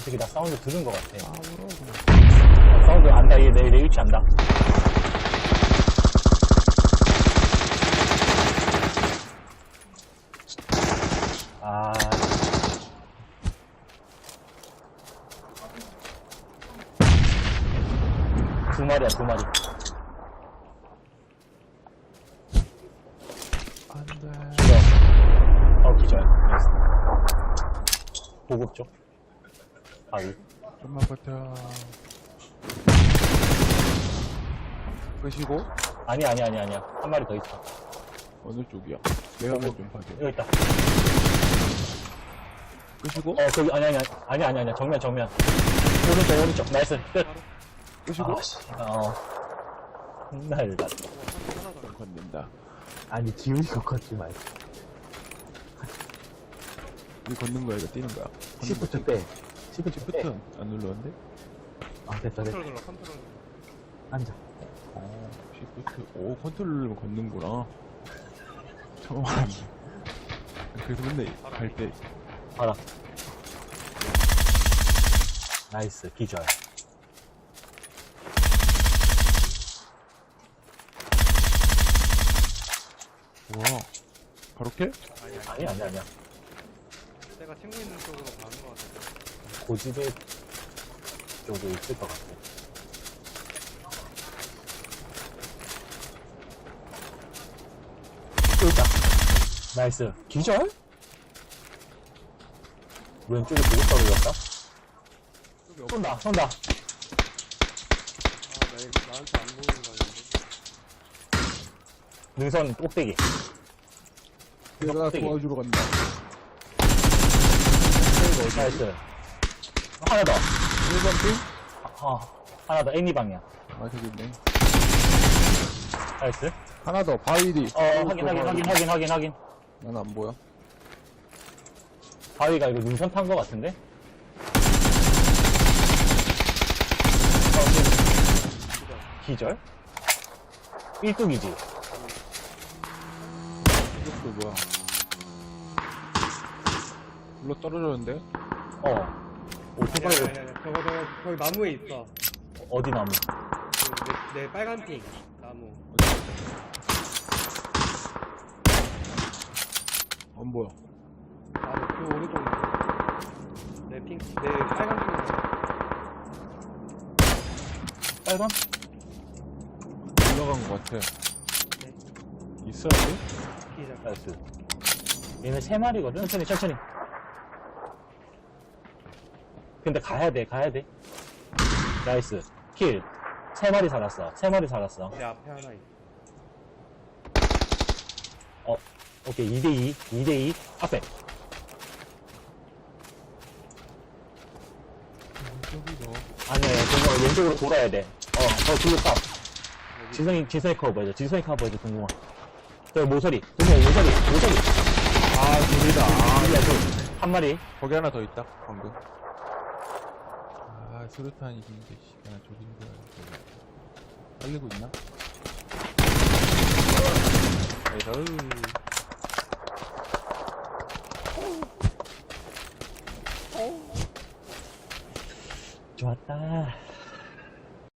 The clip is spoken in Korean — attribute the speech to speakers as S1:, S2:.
S1: 어떻게 나 사운드 들은 것 같아.
S2: 아무로
S1: 사운드 안다. 얘 내 위치 안다. 아. 두 마리야, 두 마리.
S2: 안돼.
S1: 죽어. 기절. 나이스. 보급 쪽. 바위.
S2: 좀만 버텨. 끄시고
S1: 아니야. 한 마리 더 있어.
S2: 어느 쪽이야? 내가 좀 봐줘.
S1: 여기 있다.
S2: 끄시고
S1: 거기, 아니야. 정면. 오른쪽. 나이스. 끝.
S2: 끄시고
S1: 아씨. 날 났다.
S2: 건넨다.
S3: 아니 지훈이가 걷지 말고
S2: 이 걷는 거야 이거 뛰는 거야?
S3: 시프트 빼 시프트
S2: 시프트
S3: 빼.
S2: 안 눌렀는데?
S3: 아 됐다
S4: 컨트롤 눌러, 컨트롤 눌러.
S3: 앉아
S2: 시프트 오 컨트롤 누르면 걷는구나. 처음 알았네. 그래서 맨날 갈때
S1: 봐라. 나이스. 기절.
S2: 와 바로 캐?
S1: 아니야.
S4: 내가 친구 있는 쪽으로 가는 것 같아.
S1: 고지대 쪽에 있을 것 같아. 또 있다. 나이스. 기절? 왼쪽에 보고 떨어졌다? 쏜다.
S4: 아, 나한테 안 보이는 거 아닌데?
S1: 능선 꼭대기.
S2: 내가
S1: 껍데기.
S2: 도와주러 간다.
S1: 나이스. 하나 더.
S2: 1번 핑?
S1: 하나 더. 애니 방향.
S2: 아 저기 있네.
S1: 나이스.
S2: 하나 더 바위 뒤.
S1: 확인.
S2: 난 안 보여.
S1: 바위가 이거 능선 탄 거 같은데? 기절? 1뚝이지?
S2: 이것도 뭐야? 물러 떨어졌는데?
S1: 오, 손가락으로.
S4: 저거, 거기 나무에 있어.
S1: 어디 나무?
S4: 내 빨간 핑. 나무.
S2: 안 보여.
S4: 나무, 그 오른쪽 나무. 내 빨간 핑.
S1: 빨간?
S2: 올라간 것 같아.
S4: 네.
S2: 있어야 돼?
S4: 기자.
S1: 나이스. 얘네 3마리거든? 천천히. 근데 가야 돼. 나이스. 킬. 3마리 살았어.
S4: 내 앞에 하나 있어.
S1: 오케이. 2대2. 앞에.
S2: 저기 너.
S1: 아니야, 동공아. 왼쪽으로 돌아야 돼. 둘로 탑. 지성이 커버해줘, 동공아. 저 모서리. 동공아, 모서리.
S2: 아 둘이다.
S1: 한 마리.
S2: 거기 하나 더 있다. 방금. 아 수류탄이 있는데 씨, 나 저기 있는 거야. 빨리고 있나? 에이